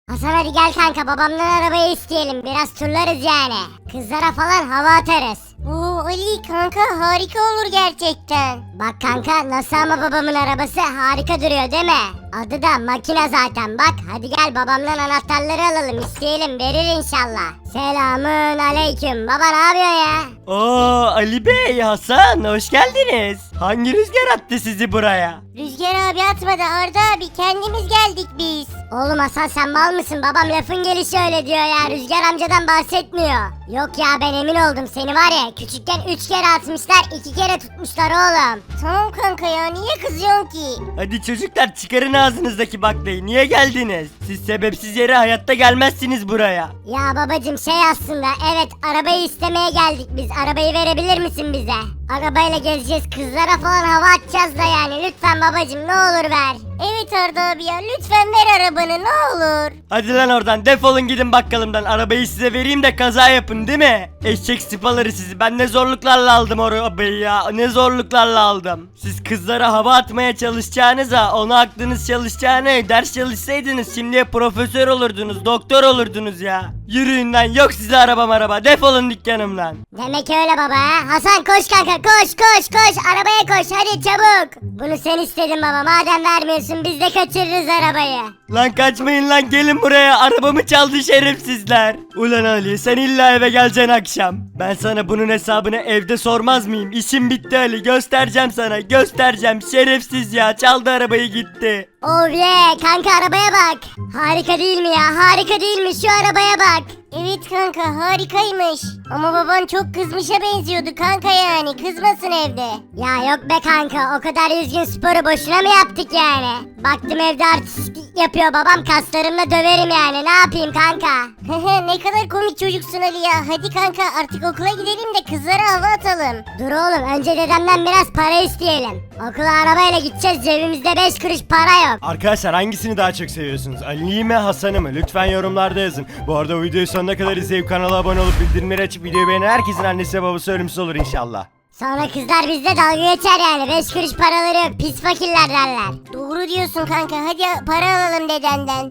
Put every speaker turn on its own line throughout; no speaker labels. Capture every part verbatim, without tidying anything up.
Hasan hadi gel kanka, babamdan arabayı isteyelim, biraz turlarız yani. Kızlara falan hava atarız.
Oo Ali kanka, harika olur gerçekten.
Bak kanka nasıl ama babamın arabası harika duruyor değil mi? Adı da makine zaten bak. Hadi gel babamdan anahtarları alalım, isteyelim, verir inşallah. Selamün aleyküm. Baba ne yapıyorsun ya?
Oo Ali Bey, Hasan hoş geldiniz. Hangi rüzgar attı sizi buraya?
Rüzgar abi atmadı Arda abi, kendimiz geldik biz.
Oğlum Hasan sen mal mısın? Babam lafın gelişi öyle diyor ya. Rüzgar amcadan bahsetmiyor. Yok ya, ben emin oldum, seni var ya küçükken üç kere atmışlar, iki kere tutmuşlar oğlum.
Tamam kanka ya, niye kızıyorsun ki?
Hadi çocuklar çıkarın ağzınızdaki baklayı. Niye geldiniz? Siz sebepsiz yere hayatta gelmezsiniz buraya.
Ya babacım şey aslında, evet arabayı istemeye geldik biz. Arabayı verebilir misin bize? Arabayla gezeceğiz, kızlara falan hava atacağız da yani. Lütfen babacım ne olur ver.
Evet Arda abi ya, lütfen ver arabanı ne olur.
Hadi lan oradan, defolun gidin bakkalımdan. Arabayı size vereyim de kaza yapın değil mi? Eşek sıpaları sizi. Ben ne zorluklarla aldım o arabayı ya. Ne zorluklarla aldım. Siz kızlara hava atmaya çalışacağınıza, ona aklınız çalışacağını, ders çalışsaydınız şimdiye profesör olurdunuz, doktor olurdunuz ya. Yürüyün lan, yok size arabam araba. Defolun dükkanımdan.
Demek öyle baba ha. Hasan koş kanka, koş koş koş, arabaya koş hadi çabuk. Bunu sen istedin baba, madem vermiyorsun biz de kaçırırız arabayı.
Lan kaçmayın lan, gelin buraya. Arabamı çaldı şerefsizler. Ulan Ali, sen illa eve geleceksin akşam. Ben sana bunun hesabını evde sormaz mıyım? İşim bitti Ali, göstereceğim sana, göstereceğim. Şerefsiz ya, çaldı arabayı gitti.
Oh yeah kanka, arabaya bak. Harika değil mi ya, harika değil mi, şu arabaya bak.
Evet kanka, harikaymış. Ama baban çok kızmışa benziyordu kanka, yani kızmasın evde.
Ya yok be kanka, o kadar yüzgün sporu boşuna mı yaptık yani? Baktım evde artistlik yapıyor babam, kaslarımla döverim yani, ne yapayım kanka?
Ne kadar komik çocuksun Ali ya. Hadi kanka artık okula gidelim de kızlara hava atalım.
Dur oğlum, önce dedemden biraz para isteyelim. Okula arabayla gideceğiz, cebimizde beş kuruş para yok.
Arkadaşlar hangisini daha çok seviyorsunuz? Ali'yi mi Hasan'ı mı? Lütfen yorumlarda yazın. Bu arada videoyu sonuna kadar izleyip kanala abone olup bildirimleri açıp videoyu beğenen herkesin annesi ve babası ölümsüz olur inşallah.
Sonra kızlar bizde dalga geçer yani, beş kuruş paraları yok, pis fakirler derler.
Doğru diyorsun kanka, hadi para alalım dedenden.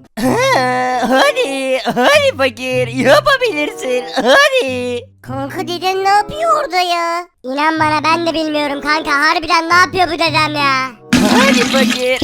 Hadi, hadi fakir, yapabilirsin, hadi.
Kanka deden ne yapıyor orada ya?
İnan bana ben de bilmiyorum kanka, harbiden ne yapıyor bu dedem ya?
Hadi fakir.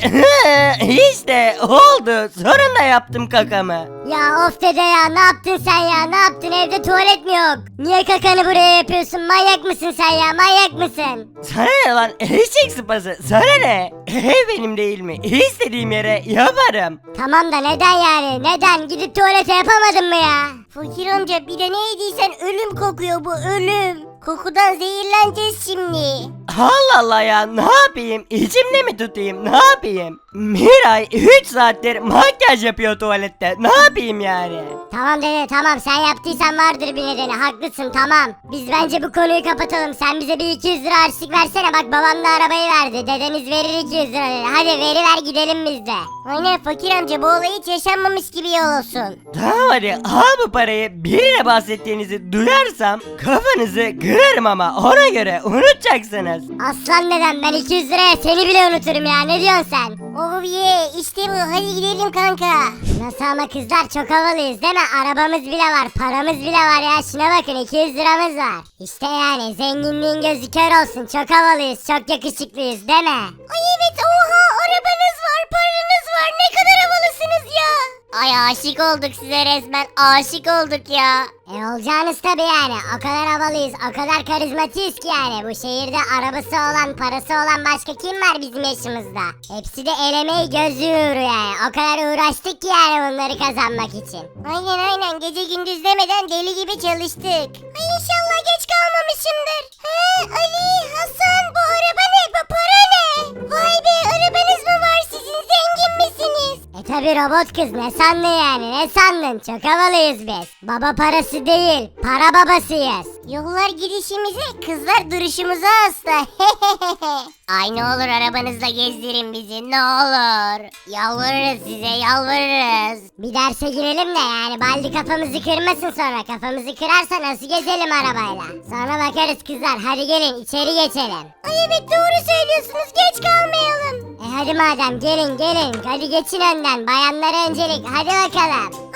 İşte oldu. Sonunda yaptım kakamı.
Ya of dede ya, ne yaptın sen ya, ne yaptın, evde tuvalet mi yok? Niye kakanı buraya yapıyorsun, manyak mısın sen ya, manyak mısın?
Sana ne lan eşek sıpası? Sana ne? Ev benim değil mi? İstediğim yere yaparım.
Tamam da neden yani, neden, gidip tuvalete yapamadın mı ya?
Fakir amca bir de ne yediysen ölüm kokuyor bu, ölüm. Kokudan zehirleneceğiz şimdi.
Allah Allah ya, ne yapayım? İçimde mi tutayım? Ne yapayım? Miray üç saattir makyaj yapıyor tuvalette. Ne yapayım yani?
Tamam dede tamam, sen yaptıysan vardır bir nedeni, haklısın tamam. Biz bence bu konuyu kapatalım, sen bize bir iki yüz lira harçlık versene, bak babam da arabayı verdi, dedeniz verir iki yüz lira dedi. Hadi veriver gidelim biz de.
Aynen fakir amca, bu olay hiç yaşanmamış gibi olsun.
Tamam hadi al bu parayı, birine bahsettiğinizi duyarsam kafanızı kırarım ama ona göre unutacaksınız.
Aslan dedem, ben iki yüz liraya seni bile unuturum ya, ne diyorsun sen?
Oh yeah, işte bu, hadi gidelim kanka.
Nasıl ama kızlar, çok havalıyız değil mi? Arabamız bile var, paramız bile var ya, şuna bakın iki yüz liramız var. İşte yani zenginliğin gözü kör olsun, çok havalıyız, çok yakışıklıyız değil mi?
Ay evet, oha, arabanız var, paranız var, ne kadar havalısınız ya. Ay aşık olduk size resmen, aşık olduk ya.
E olacağınız tabi yani, o kadar havalıyız, o kadar karizmatiyiz ki yani. Bu şehirde arabası olan, parası olan başka kim var bizim yaşımızda? Hepsi de el emeği göz uğru yani, o kadar uğraştık ki yani bunları kazanmak için.
Aynen aynen, gece gündüz demeden deli gibi çalıştık. Ay inşallah geç kalmamışımdır. He Ali, Hasan, bu araba ne, bu para ne? Vay be, arabanız mı var sizin, zengin misiniz?
E tabi robot kız, ne sandın yani, ne sandın, çok havalıyız biz. Baba parası değil, para babasıyız.
Yollar gidişimize, kızlar duruşumuza hasta. Ay ne olur arabanızla gezdirin bizi, ne olur. Yalvarırız size, yalvarırız.
Bir derse girelim de yani, baldi kafamızı kırmasın, sonra kafamızı kırarsa nasıl gezelim arabayla. Sonra bakarız kızlar, hadi gelin içeri geçelim.
Ay evet doğru söylüyorsunuz, geç kalmayalım.
E hadi madem, gelin gelin, hadi geçin önden, bayanlara öncelik, hadi bakalım.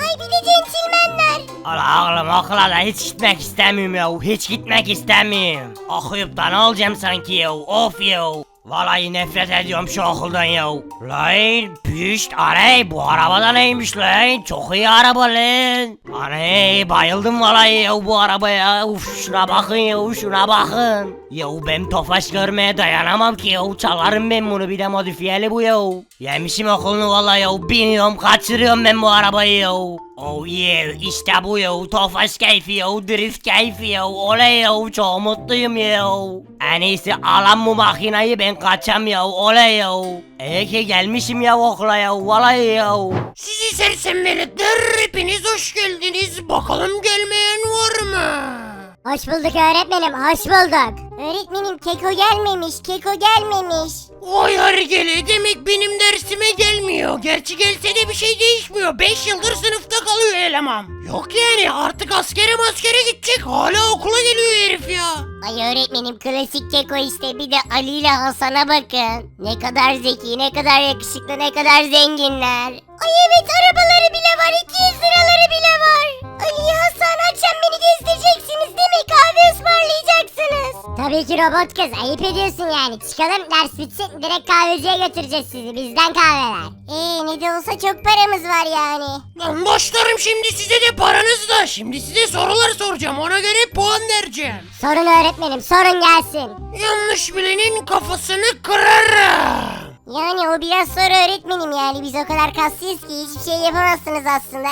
Vay bir de centilmenler.
Ala oğlum okula da hiç gitmek istemiyorum ya. Hiç gitmek istemiyorum. Okuyup da ne olacağım sanki ya. Of ya. Vallahi nefret ediyorum şu okuldan ya. Lan pişt aney bu arabada neymiş lan? Çok iyi araba lan. Aney bayıldım vallahi ya bu arabaya. Uf şuna bakın ya şuna bakın. Ya ben Tofaş görmeye dayanamam ki ya. Çalarım ben bunu bir de modifiyeli bu ya. Yemişim okulunu vallahi ya. Biniyorum kaçırıyorum ben bu arabayı ya. Oh yeah işte bu ya. Tofaş keyfi ya. Drift keyfi ya. Oley ya çok mutluyum ya. En iyisi alan bu makinayı ben kaçam ya. Oley ya. İyi ki gelmişim ya okula ya. Vallahi ya.
Sizi sersem veletler hepiniz hoş geldiniz. Bakalım gelmeyen var mı?
Hoş bulduk öğretmenim, hoş bulduk.
Öğretmenim Keko gelmemiş, Keko gelmemiş.
Vay hergele demek benim dersime gelmiyor. Gerçi gelse de bir şey değişmiyor. beş yıldır sınıfta kalıyor eleman. Yok yani artık askere maskere gidecek. Hala okula geliyor herif ya.
Ay öğretmenim klasik Keko işte bir de Ali ile Hasan'a bakın. Ne kadar zeki, ne kadar yakışıklı, ne kadar zenginler. Ay evet arabaları bile var, iki yüz liraları bile var. Ali, Hasan akşam beni gezdireceksiniz değil mi? Kahve ısmarlayacaksınız.
Tabii ki robot kız, ayıp ediyorsun yani. Çıkalım, ders bitsin, direkt kahveciye götüreceğiz sizi. Bizden kahveler.
Ee ne de olsa çok paramız var yani.
Lan başlarım şimdi size de paranız da. Şimdi size sorular soracağım. Ona göre puan vereceğim.
Sorun öğretmenim, sorun gelsin.
Yanlış bilenin kafasını kırarım.
Yani o biraz soru öğretmenim yani biz o kadar kaslıyız ki hiçbir şey yapamazsınız aslında.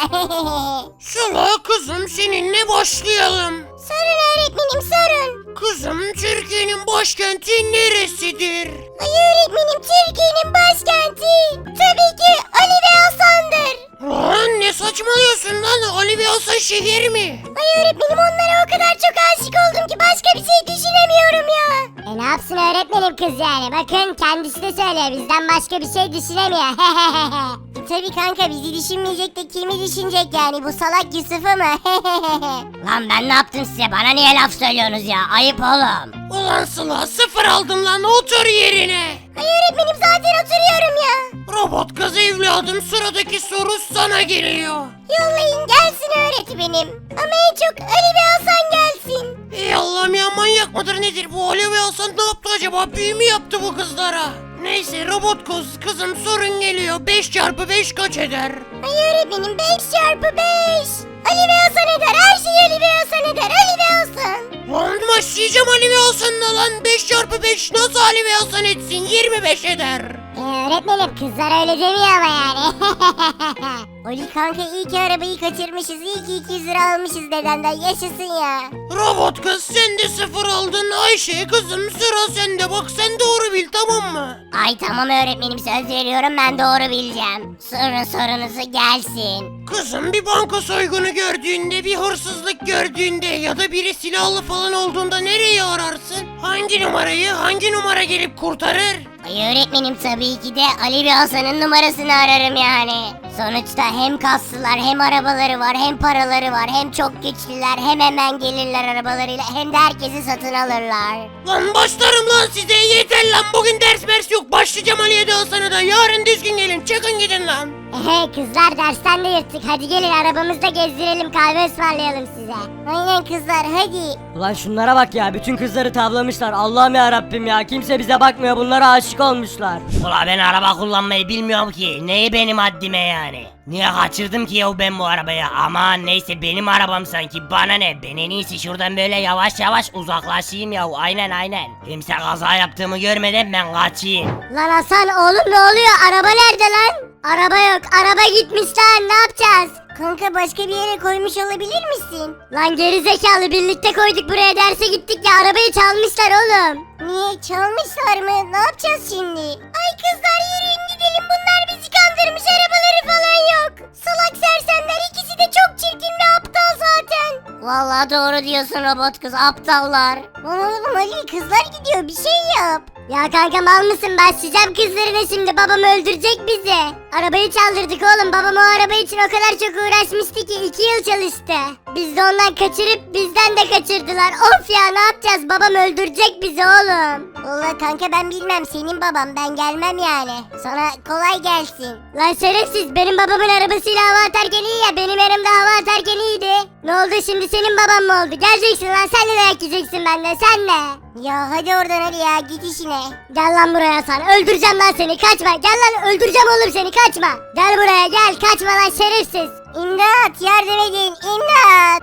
Sıla kızım seninle başlayalım.
Sorun öğretmenim sorun.
Kızım Türkiye'nin başkenti neresidir?
Ay öğretmenim Türkiye'nin başkenti tabii ki Ali ve Hasan'dır.
Lan ne saçmalıyorsun lan? Ali ve Hasan şehir mi?
Ay öğretmenim onlara o kadar çok aşık oldum ki başka bir şey düşünemiyorum ya.
E ne yapsın öğretmenim kız yani? Bakın kendisi de söylüyor, bizden başka bir şey düşünemiyor.
E, tabii kanka bizi düşünmeyecek de kimi düşünecek yani bu salak Yusuf'u mu?
Lan ben ne yaptım size? Bana niye laf söylüyorsunuz ya? Ayıp oğlum.
Ulan Sıla sıfır aldın lan otur yerine.
Ay öğretmenim zaten oturuyorum ya.
Robot kız evladım sıradaki soru sana geliyor.
Yollayın gelsin öğretmenim. Ama en çok Ali ve Hasan gelsin.
Ey Allah'ım ya manyak mıdır nedir bu Ali ve Hasan ne yaptı acaba? Büyü mü yaptı bu kızlara? Neyse robot kız kızım sorun geliyor. beş çarpı beş kaç eder?
Ay öğretmenim beş çarpı beş. Ali ve Hasan eder. Her şey Ali ve Hasan eder. Ali ve Hasan.
Lan başlayacağım Ali ve Hasan'la lan. beş çarpı beş nasıl Ali ve Hasan etsin? yirmi beş eder.
E öğretmenim kızlar öyle demiyor ama yani.
Ali kanka iyi ki arabayı kaçırmışız. İyi ki iki yüz lira almışız dedenden. Yaşasın ya.
Robot kız sen de sıfır aldın. Ayşe kızım sıra sende. Bak sen doğru bil tamam mı?
Ay tamam öğretmenim söz veriyorum ben doğru bileceğim. Sorun sorunuzu gelsin.
Kızım bir banka soygunu gördüğünde, bir hırsızlık gördüğünde ya da biri silahlı falan olduğunda nereyi ararsın? Hangi numarayı, hangi numara gelip kurtarır?
Ay öğretmenim tabii ki de Ali ve Hasan'ın numarasını ararım yani. Sonuçta hem kaslılar hem arabaları var hem paraları var hem çok güçlüler hem hemen gelirler arabalarıyla hem de herkesi satın alırlar.
Lan başlarım lan size yeter lan bugün ders mers yok başlayacağım Ali'ye de Hasan'a da yarın düzgün gelin çıkın gidin lan.
Ehe kızlar dersten de yırttık. Hadi gelin arabamızda gezdirelim, kahve ısmarlayalım size.
Aynen kızlar hadi.
Ulan şunlara bak ya, bütün kızları tavlamışlar. Allah'ım ya Rabbim ya, kimse bize bakmıyor, bunlara aşık olmuşlar.
Ula ben araba kullanmayı bilmiyorum ki. Neyi benim haddime yani? Niye kaçırdım ki ya ben bu arabayı? Aman neyse benim arabam sanki bana ne? Ben en iyisi şuradan böyle yavaş yavaş uzaklaşayım ya. Aynen aynen. Kimse kaza yaptığımı görmeden ben kaçayım.
Lan Hasan oğlum ne oluyor? Araba nerede lan? Araba yok. Araba gitmiş lan. Ne yapacağız?
Kanka başka bir yere koymuş olabilir misin?
Lan geri zekalı birlikte koyduk buraya, derse gittik ya, arabayı çalmışlar oğlum.
Niye çalmışlar mı? Ne yapacağız şimdi? Ay kızlar yürüyün gidelim bunlar bizi kandırmış arabaları falan yok. Salak sersemler ikisi de çok çirkin ve aptal zaten. Vallahi doğru diyorsun robot kız aptallar. Lan oğlum Ali kızlar gidiyor bir şey yap.
Ya kanka mal mısın? Başlayacağım kızlarına şimdi. Babam öldürecek bizi. Arabayı çaldırdık oğlum. Babam o araba için o kadar çok uğraşmıştı ki iki yıl çalıştı. Biz de ondan kaçırıp bizden de kaçırdılar. Of ya ne yapacağız? Babam öldürecek bizi oğlum.
Valla kanka ben bilmem, senin baban, ben gelmem yani. Sana kolay gelsin.
Lan şerefsiz, benim babamın arabasıyla hava atarken iyi ya, benim yanımda hava atarken iyiydi. Ne oldu şimdi, senin baban mı oldu? Geleceksin lan, sen de dayak yiyeceksin benden, sen de.
Ya hadi oradan Ali ya, git işine.
Gel lan buraya sen, öldüreceğim lan seni, kaçma. Gel lan, öldüreceğim oğlum seni, kaçma. Gel buraya gel, kaçma lan şerefsiz.
İmdat, yardım edin, imdat.